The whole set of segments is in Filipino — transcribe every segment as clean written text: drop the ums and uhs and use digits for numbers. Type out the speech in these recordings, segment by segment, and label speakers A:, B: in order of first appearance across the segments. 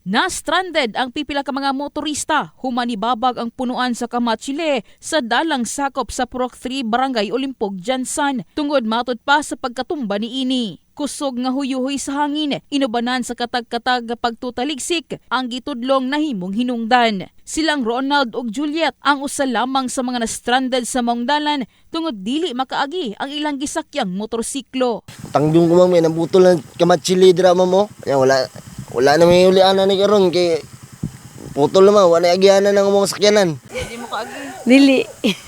A: Na-stranded ang pipila ka mga motorista humanibabag ang punuan sa Kamachile sa dalang sakop sa Purok 3 Barangay Olimpog, Jansan tungod matod pa sa pagkatumba ni ini. Kusog nga huyuhoy sa hangin, inubanan sa katag-katag pagtutaligsik ang gitudlong nahimong hinungdan. Silang Ronald ug Juliet ang usa lamang sa mga na-stranded sa maong dalan tungod dili makaagi ang ilang gisakyang motorsiklo.
B: Tangjong ko mami, nabutol na Kamachile dira mo. Wala na may ulianan ni karon kay putol naman, wala agianan ng mga sakyanan.
A: Hindi mo kaagi.
C: Dili.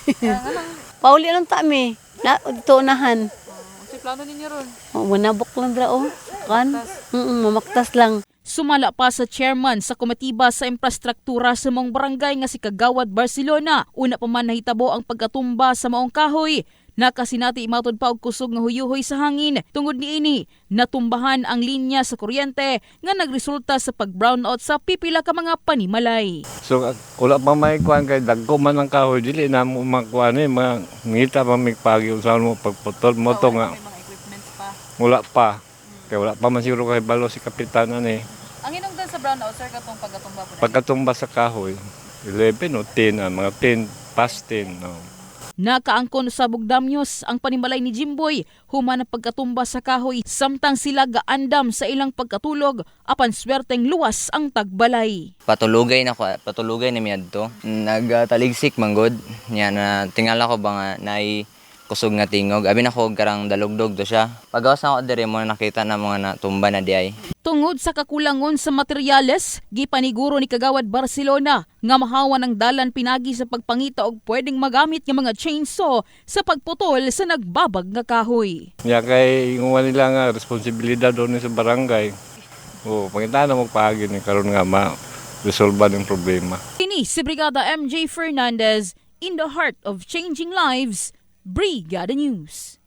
C: Pauli lang tami. Na dito unahan.
A: Kasi plano ninyo ron.
C: Manabok lang dra oh. Kan? Mamaktas lang.
A: Sumala pa sa chairman sa komitiba sa infrastruktura sa maong barangay nga si Kagawad Barcelona. Una pa man nahitabo ang pagkatumba sa maong kahoy. Nakasinati imatod pa og kusog nga huyuhoy sa hangin. Tungod niini, natumbahan ang linya sa kuryente nga nagresulta sa pag-brownout sa pipila ka mga panimalay.
D: So wala pa may kuan kay dagko man ang kahoy dili na mo makuan ni mangita pa mig pagi usahan mo pagputol mo to nga. Wala pa. Kay wala pa man siguro kay balo si kapitan ani.
A: Ang hinungdan sa brownout sir katong pagkatumba po.
D: Pagkatumba sa kahoy 11 o 10 mga 10 past 10 no.
A: Nakaangkon sa Bugdamyos ang panimalay ni Jimboy human ang pagkatumba sa kahoy samtang sila gaandam sa ilang pagkatulog apan swerteng luwas ang tagbalay.
E: Patulugay na miyadto. Nagtaligsik manggod. Nya na tingala ko ba nga naay kusog nga tingog. Abi na ko karang dalugdog to siya. Pagawas na ako diri mo nakita na mga natumba na diay.
A: Tungod sa kakulangon sa materyales, gipaniguro ni Kagawad Barcelona nga mahawan ang dalan pinagi sa pagpangita og pwedeng magamit nga mga chainsaw sa pagputol sa nagbabag nga kahoy.
D: Nya kay ingon nila nga responsibilidad doon sa barangay. Pangita na mo paagi ni karon nga ma-resolve ang problema.
A: Kini si Brigada MJ Fernandez in the heart of changing lives, Brigada News.